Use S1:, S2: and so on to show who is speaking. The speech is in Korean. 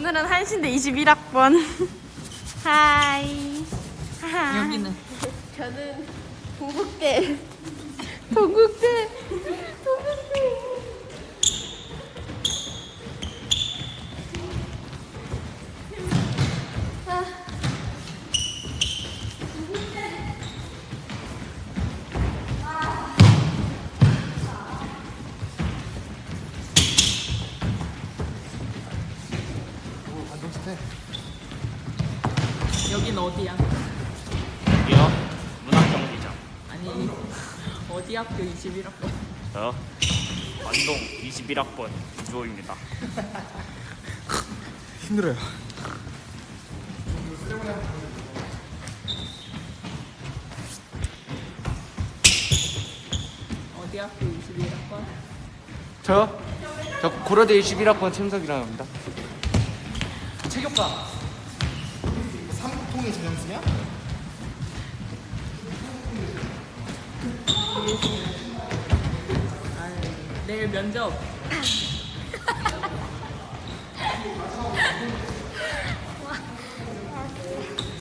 S1: 오늘은 한신대 21학번. 하이.
S2: 여기는
S1: 저는 동국대. 동국대.
S2: 여긴 어디야?
S3: 여기요? 문학경기장.
S2: 아니 어디 학교 21학번?
S3: 저요? 관동 21학번 이주호입니다.
S4: 힘들어요.
S2: 어디 학교 21학번?
S4: 저요? 저 고려대 21학번 최윤석이라고 합니다. 체육과 삼통의 전형수냐?
S2: 내일 면접.